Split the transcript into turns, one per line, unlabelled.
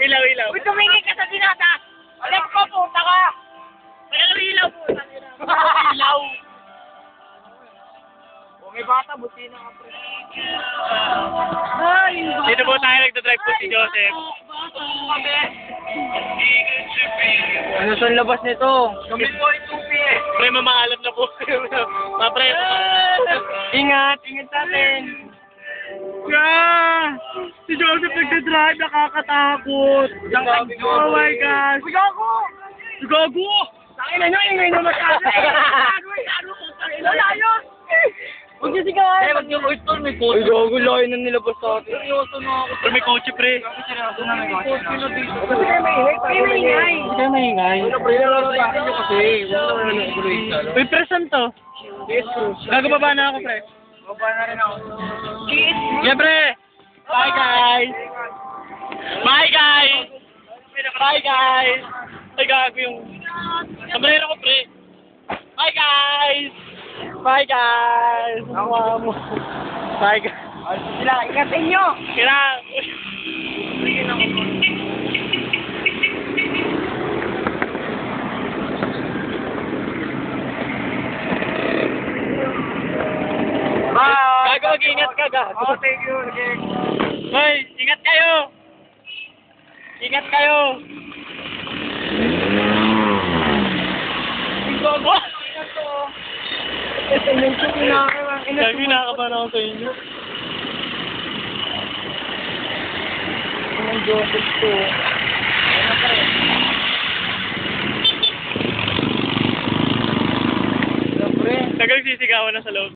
Ilaw, ilaw.
Uy, tumingin ka sa dinata! Alam ko, puta ka!
Ano ilaw po?
Ilaw! O, may bata, buti na ka, pre. Ay,
Dito po tayo nagdadrive po si Joseph.
Ano sa labas nito? Gamit ko yung tupi eh.
Pre, mamaalam na po. Mapre.
Ingat, ingat natin.
Si Joseph nagdadrive, nakakatakot. Oh my gosh.
Gago!
Gago!
Sakin na nyo, ingay na masyado eh. Gago eh, ano ko, sakin na layos. Huwag niyo sigawan. Eh, huwag niyo ko ito, may kotse. Ay, gago, layo na nilabas sa atin. Seryoso na ako.
Pre, may kotse, pre.
Seryoso na may kotse. Kasi kayo maingay. Kayo maingay.
Hindi kayo maingay.
Ano, pre, nalalabasan nyo kasi. Huwag naman ano, egoista.
Uy, pre, saan to? Gagababa na ako, pre.
Baba na rin ako.
Yeah, pre. Bye, guys. Bye, guys. Bye, guys. Ay, gago yung... Sombrero ko, pre. Bye, guys. Bye, guys. Mamo. Bye, guys.
Sila, ingatin nyo.
Kira.
Bye.
Gago, mag-ingat ka, gago.
Oh, thank you. Okay.
Hoy, ingat kayo. Ingat kayo. Gago.
Ito, medyo
Gago, nakakabahan ako sa inyo.
Ang Joseph to. Ano pa rin? Siyempre.
Tagal sisigawan na sa loob.